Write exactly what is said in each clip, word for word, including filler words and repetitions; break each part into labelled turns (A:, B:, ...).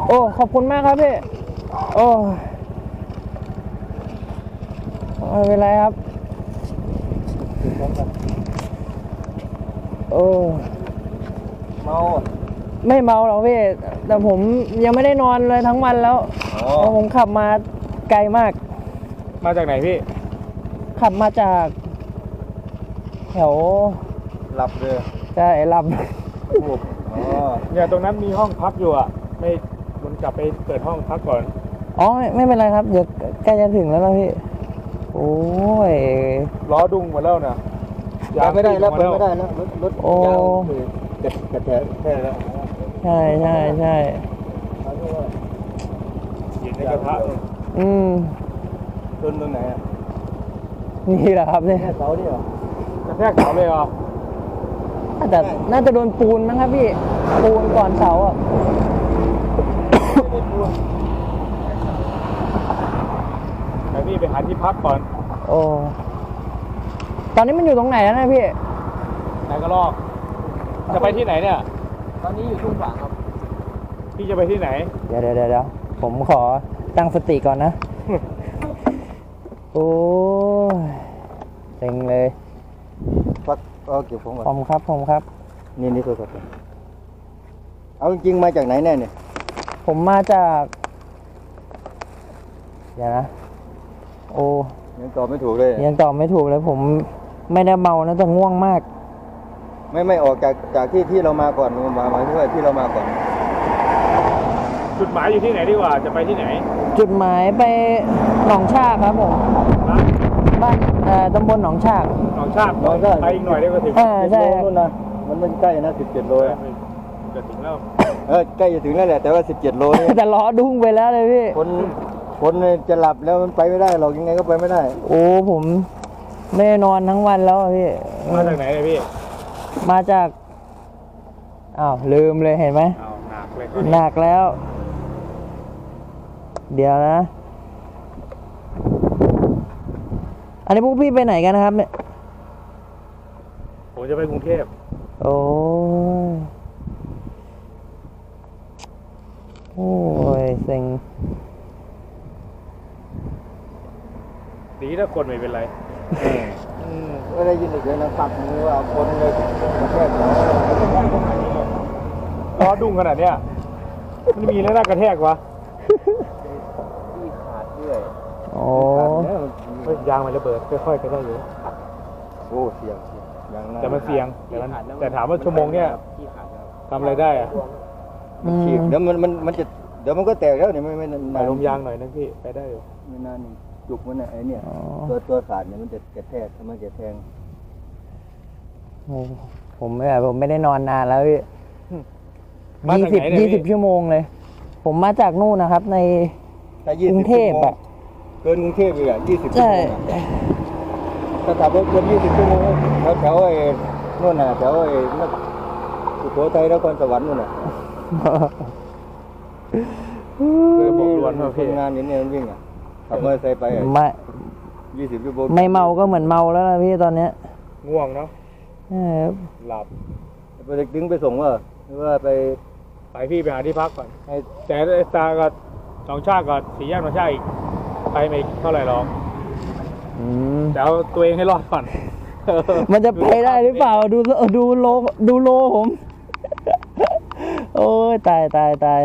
A: โอ้ขอบคุณมากครับพี่โอ้ไม่เป็นไรครับโอ้
B: เมา
A: ไม่เมาหรอกพี่แต่ผมยังไม่ได้นอนเลยทั้งวันแล้วผมขับมาไกลมาก
B: มาจากไหนพี่
A: ขับมาจากแถว
B: หลับเลย
A: ใช่หลับ
B: อ๋อเนี่ยตรงนั้นมีห้องพักอยู่อ่ะไม่คุณกลับไปเปิดห้องพักก่อน
A: อ๋อไม่ไม่เป็นไรครับเดี๋ยวใกล้จะถึงแล้วนะพี่โอ้ย
B: ล้อดุ้งหมดแล้วนะยางไม่ได้แล้วเปิดไม่ได้แล้วรถรถยางกระกระแทกแค่แล้ว
A: ใช่ใช่ใช่
B: เย็นในกระทะ
A: อืม
B: ชนตรงไหนอ่ะ
A: นี่แหละครับเนี่ย
B: เสาเนี่ยกระแทกเสาเลยเหรอ
A: น่าจะน่าจะโดนปูนมั้งครับพี่ปูนก่อนเสาอ่ะ
B: แต่พี่ไปหาที่พักก่อน
A: โอ้ตอนนี้มันอยู่ตรงไหนแล้วนะพี่
B: ไหนก็ลอกจะไปที่ไหนเนี่ย
C: ตอนนี้อยู่ทุ่งฝางครับ
B: พี่จะไปที่ไหน
A: เดี๋ยวเดี๋ยวเดี๋ยวผมขอตั้งสติก่อนนะโอ้เต็งเลย
B: พักเอาเก็บของก่อน
A: ผมครับผมครับ
B: นี่นี่ตัวสดเอาจริงมาจากไหนแน่เนี่ย
A: ผมมาจากเดี๋ยวนะโอ้
B: ยังตอบไม่ถูกเลย
A: ยังตอบไม่ถูกเลยผมไม่ได้เมานะแต่ง่วงมาก
B: ไม่ไม่ออกจากจากที่ที่เรามาก่อนมามาที่ที่เรามาก่อนจุดหมายอยู่ที่ไหนดีกว่าจะไปที่ไหน
A: จุดหมายไปหนองชากครับผมบ้านเอ่อตำบลหนองชาก
B: หนองชากไปอีกหน่อยเดี๋ยวก็ถึง
A: เออใช่
B: นู่นนะมันไม่ใกล้นะสิบเจ็ดโลจะถึงแล้วเออใกล้จะถึงแล้วแหละแต่ว่าสิบเจ็ดโลนี่
A: แต่ล้อดุ้งไปแล้วเลยพี่
B: คนคนจะหลับแล้วมันไปไม่ได้หรอกยังไงก็ไปไม่ได้
A: โอ้ผมไม่นอนทั้งวันแล้วพี่
B: มาจากไหนเลยพี่
A: มาจากอ้าวลืมเลยเห็นไหม
B: อ้าวหนักเลย
A: หนักแล้วเดี๋ยวนะอันนี้พวกพี่ไปไหนกันนะครับเนี่ย
B: ผมจะไปกรุงเทพ
A: โอ้โอ้ยเซ็ง
B: ดีถ้าคนไม่เป็นไรไม่ได้ยินอีกเลยนะตัดมือว่าคนเลยกระแทกล้อดุ้งขนาดเนี้ยมันมีแล้วน่ากระแทกวะที่ขาดด้วย
A: โอ้
B: ยางมันระเบิดค่อยๆก็ได้อยู่โอ้เสียงแต่มันเสียงแต่มันแต่ถามว่าชั่วโมงเนี้ยทำอะไรได้อะมันขีดเดี๋ยวมันมันมันจะเดี๋ยวมันก็แตกแล้วเนี่ยไม่ไม่นานลมยางหน่อยนะพี่ไปได้อยู่ไม่นานจุกมันไอ้เนี่ยตัวตัวขาดเนี่ยมันจะกระแทกมันจะแทง
A: ผมไม่ผมไม่ได้นอนนานแล้วพี่ยี่สิบยี่สิบชั่วโมงเลยผมมาจากนู่นนะครับในกรุงเทพอะ
B: เกินกรุงเทพเลยอ่ะยี่สิบชั่วโมงถ้าขับรถเกินยี่สิบชั่วโมงแถวแถวไอ้นู่นน่ะแถวไอ้สุโขทัยนครสวรรค์นู่นน่ะเคยบอกวันว่าพี่งานนี้เนี่ยมันวิ่งอ่ะขับมอเตอร์ไซค์ไป
A: ไม่
B: ยี่สิบชั่วโมง
A: ไม่เมาก็เหมือนเมาแล้วนะพี่ตอนเนี้ย
B: ง่วงเนาะหลับไปดึงไปส่งว่าหรือว่าไปไปพี่ไปหาที่พักก่อนแต่ไอ้ตากับสองชาติกับสี่แยกสองชาติอีกไปไม่เท่าไหร่หรอกแต่เอาตัวเองให้รอดก่อน
A: มันจะไปได้หรือเปล่าดูดูโลดูโลผมโอ้ยตายตายตาย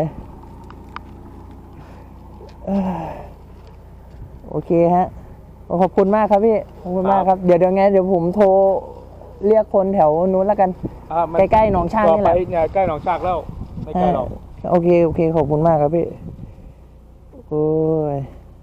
A: โอเคฮะขอบคุณมากครับพี่ขอบคุณมากครับเดี๋ยวเดี๋ยวไงเดี๋ยวผมโทรเรียกคนแถวนู้นแล้วกันใกล้ๆหนองชากนี่แหละ
B: ใกล้หนองชากแล้วไม่ใกล้หรอก
A: โอเคโอเคขอบคุณมากครับพี่โอ้ย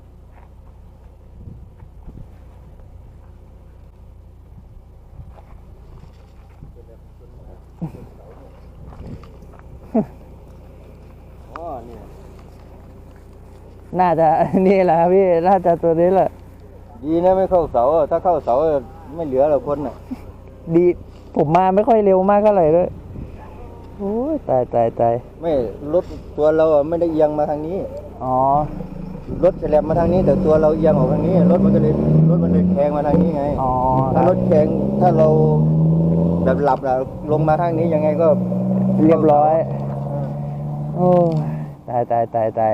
A: น่าจะนี่แหละพี่น่าจะตัวนี้แหละ
B: ดีนะไม่เข้าเสาถ้าเข้าเสาไม่เหลือหรอกคนน่ะ
A: ดีผมมาไม่ค่อยเร็วมากเท่าไหร่ด้วยโอ้ยตายตายตาย
B: ไม่รถตัวเราไม่ได้เอียงมาทางนี้
A: อ๋อ
B: รถแฉลบมาทางนี้แต่ตัวเราเอียงออกทางนี้รถมันก็เลยรถมันเลยแทงมาทางนี้ไง
A: อ๋อ
B: ถ้ารถแทงถ้าเราแบบหลับแล้วลงมาทางนี้ยังไงก็
A: เรียบร้อยโอ้ตตายตายตายตาย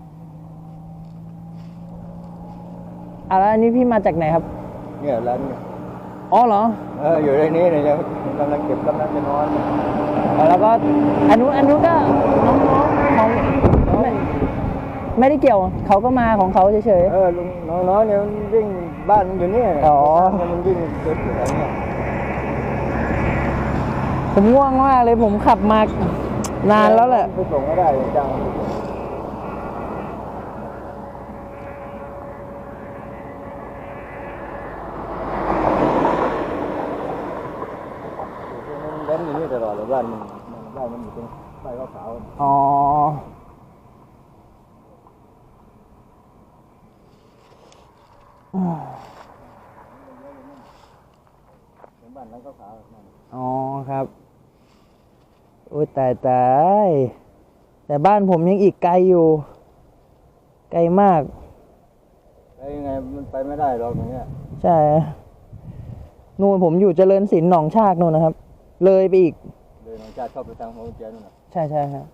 A: อ่ะแล้วอันนี้พี่มาจากไหนครับ
B: เนี่ยร้านเนี่ย
A: อ๋อเหรอ
B: เอออยู่ในนี้เนี่ยยังกำลังเก็บกำลังจะนอน
A: อ๋อแล้วก็อันนู้นอันนู้นก็น้องๆของไม่ไม่ได้เกี่ยวเขาก็มาของเขาเฉย
B: เออลุงน้องๆเนี่ยมันวิ่งบ้านมันอยู่เนี่ย
A: อ๋อ
B: มันวิ่งเดินอยู่แถวเนี่ย
A: ๆผมง่วงมากเลยผมขับมานานแล้วแหละ
B: ไปส่งก็ได้จังมันเล่นอยู่นี่ตลอดเลยบ้านมันบ้านมันอยู่ตรงป้ายขาวๆ
A: อ๋ออืม
B: เป็นบ้านหลังขาวๆนั่น
A: อ๋อครับโอ้ยตายตายแต่บ้านผมยังอีกไกลอยู่ ไกลมาก
B: ไปยังไงมันไปไม่ได้หรอกอย่างเงี้ย
A: ใช่นู่นผมอยู่เจริญศิลป์หนองชากนู่นนะครับ เลยไปอีก
B: เลยน้องชาติเข้าไปทางหัวเจียนู่นน่ะ
A: ใช่ใช่ครับ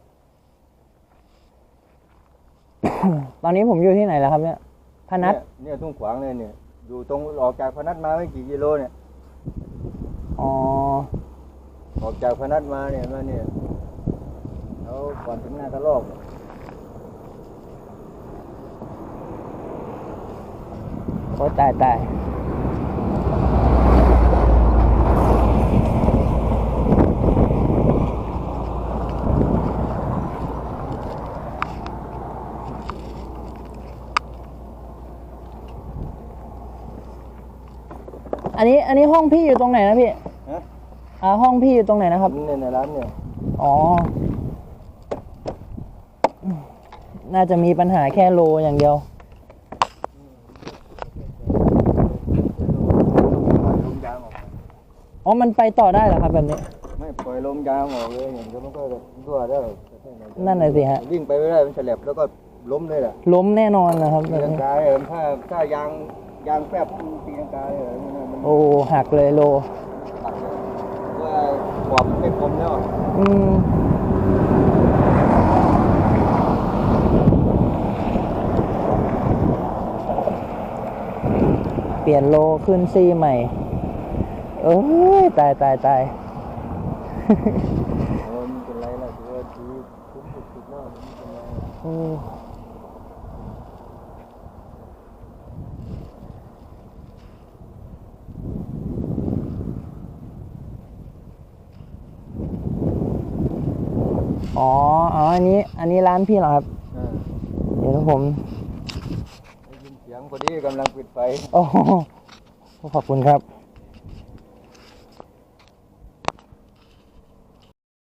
A: ตอนนี้ผมอยู่ที่ไหนแล้วครับเนี่ยพนัส
B: เนี่ยเนี่ยทุ่งขวางเลยเนี่ยอยู่ตรงออกจากพนัสมาไม่กี่กิโลเนี่ย
A: อ๋อ
B: ออกจากพนัสมาเนี่ยมาเนี่ยแล้วก่อนถึงหน้ากระลอก
A: โอ้ตายตายอันนี้อันนี้ห้องพี่อยู่ตรงไหนนะพี่
B: ฮะ
A: อ่าห้องพี่อยู่ตรงไหนนะครับ
B: เนี่ยในร้านเนี่ย
A: อ๋อ น่าจะมีปัญหาแค่โลอย่างเดียว
B: ปล่อยลมยางออกมา
A: อ๋อ มันไปต่อได้เหรอครับแบบนี้
B: ไม่ปล่อยลมยางออกเลยอย่างเดียวมันก็รั่วได้
A: นั่นน่ะสิฮะ
B: วิ่งไปไม่ได้มันฉลับแล้วก็ล้มเลยแหละ
A: ล้มแน่นอนนะครับแบ
B: ตี
A: บ
B: ลัง
A: นี้
B: กาเลยถ้าถ้ายางยางแฟบตีลังกาเลยมัน
A: โอ้ หักเลยโล
B: หักเลยว่าขอบไม่คมแล้ว
A: อืม เปลี่ยนโลขึ้นซีใหม่ เอ้ย ตายตายตาย
B: เออมันเป็นไรล่ะคือว่าดีคุ้มสุดๆแล้วมันเป็นไร
A: โอ้อ๋อ อ๋อ อันนี้ อันนี้ร้านพี่เหรอครับ
B: อ่า
A: เดี๋ยวผม
B: ได้ยินเสียงพอดีกำลังปิดไฟ
A: โอ้โหขอบคุณครับ